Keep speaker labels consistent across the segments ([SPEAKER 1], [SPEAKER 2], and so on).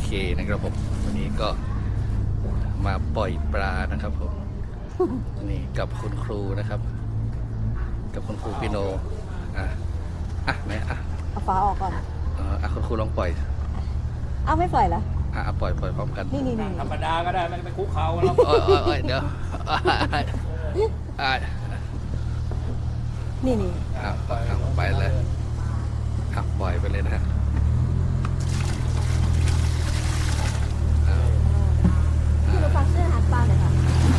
[SPEAKER 1] นะครับผมวันนี้ก็มาปล่อยปลานะครับผมนี่กับคุณครูนะครับ กับคุณครูปิโนไหน
[SPEAKER 2] เอาฟ้าออกก่อน
[SPEAKER 1] คุณครูลองปล่อย
[SPEAKER 2] เอาไม่ปล่อยเหรอ
[SPEAKER 1] ปล่อยพร้อมกัน
[SPEAKER 2] นี่
[SPEAKER 3] ธรรมดาก็ได้ไม่ไปคุกเขาแล้ว
[SPEAKER 1] เดี๋ยว
[SPEAKER 2] นี่
[SPEAKER 1] ไปเลยปล่อยไปเลยนะฮะ
[SPEAKER 2] พี่รู้ฟังเสื้อหัดปลาเลยค่ะ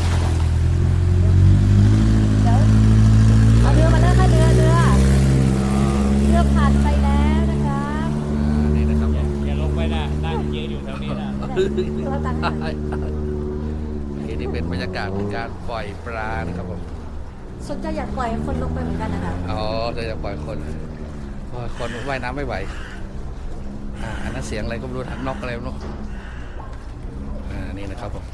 [SPEAKER 2] เดี๋ยวเอาเรือมาเลยค่ะเรือผ่านไปแล้วนะครับ
[SPEAKER 1] นี่นะครับ
[SPEAKER 3] อย่าลงไปนะนั่งยืนอยู่แถวนี้นะ
[SPEAKER 2] ตัวตังค์
[SPEAKER 1] นี่เป็นบรรยากาศของการปล่อยปลานะครับผม
[SPEAKER 2] สนใจอยากปล่อยคนลงไปเหมือนกันนะคะ
[SPEAKER 1] จะอยากปล่อยคนว่ายน้ำไม่ไหวอันนั้นเสียงอะไรก็ไม่รู้นกอะไรไม่รู้นี่นะครับผม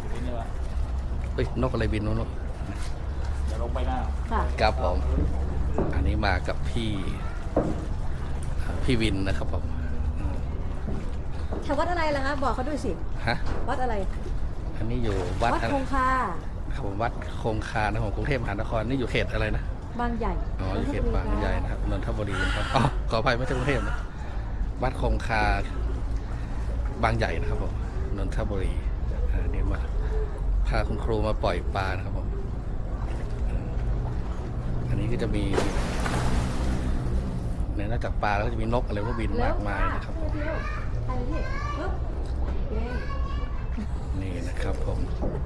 [SPEAKER 1] นกอะไรบินนู้น
[SPEAKER 3] อย่าลงไปนะ
[SPEAKER 1] ครับผมอันนี้มากับพี่วินนะครับผม
[SPEAKER 2] แถววัดอะไรล่ะคะบอกเขาด้วยสิวัดอะไร
[SPEAKER 1] อันนี้อยู่วัด
[SPEAKER 2] คงคา
[SPEAKER 1] ครับผมวัดคงคานะของกรุงเทพมหานครนี่อยู่เขตอะไรนะ
[SPEAKER 2] บางใหญ่
[SPEAKER 1] อยู่เขตบางใหญ่นะครับนนทบุรีนะครับขออภัยไม่ใช่กรุงเทพนะวัดคงคาบางใหญ่นะครับผมนนทบุรีนี่มาพาคุณครูมาปล่อยปลานะครับผมอันนี้ก็จะมีนอกจากปลาแล้วก็จะมีนกอะไรก็บินมากมายนะครับผมนี่นะครับผม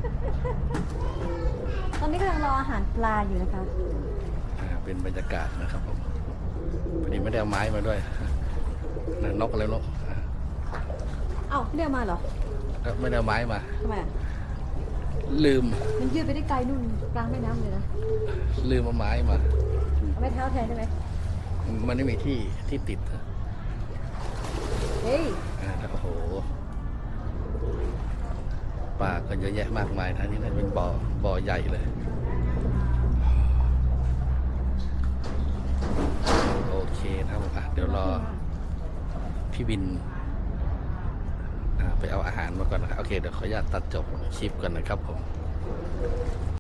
[SPEAKER 2] ตอนนี้กำลังรออาหารปลาอยู่นะคะ
[SPEAKER 1] เป็นบรรยากาศนะครับผมพอดีไม่ได้เอาไม้มาด้วยนกอะไรนก
[SPEAKER 2] ไม่ได้เอามาเหรอ
[SPEAKER 1] ไม่ได้เอาไม้มา
[SPEAKER 2] ทำไม
[SPEAKER 1] ลืม
[SPEAKER 2] มันยืดไปได้ไกลนู่นกลางแม่น้ำเลยนะ
[SPEAKER 1] ลืมเอาไม้มา
[SPEAKER 2] เอาไม้เท้าแทนได้ไหม
[SPEAKER 1] มันไม่มีที่ติด
[SPEAKER 2] เฮ้ย
[SPEAKER 1] โอ้โหปลาก็เยอะแยะมากมายนะนี่น่าจะเป็นบ่อใหญ่เลยโอเคนะครับเดี๋ยวรอพี่บินไปเอาอาหารมาก่อนนะครับโอเคเดี๋ยวขออนุญาตตัดจบคลิปก่อนนะครับผม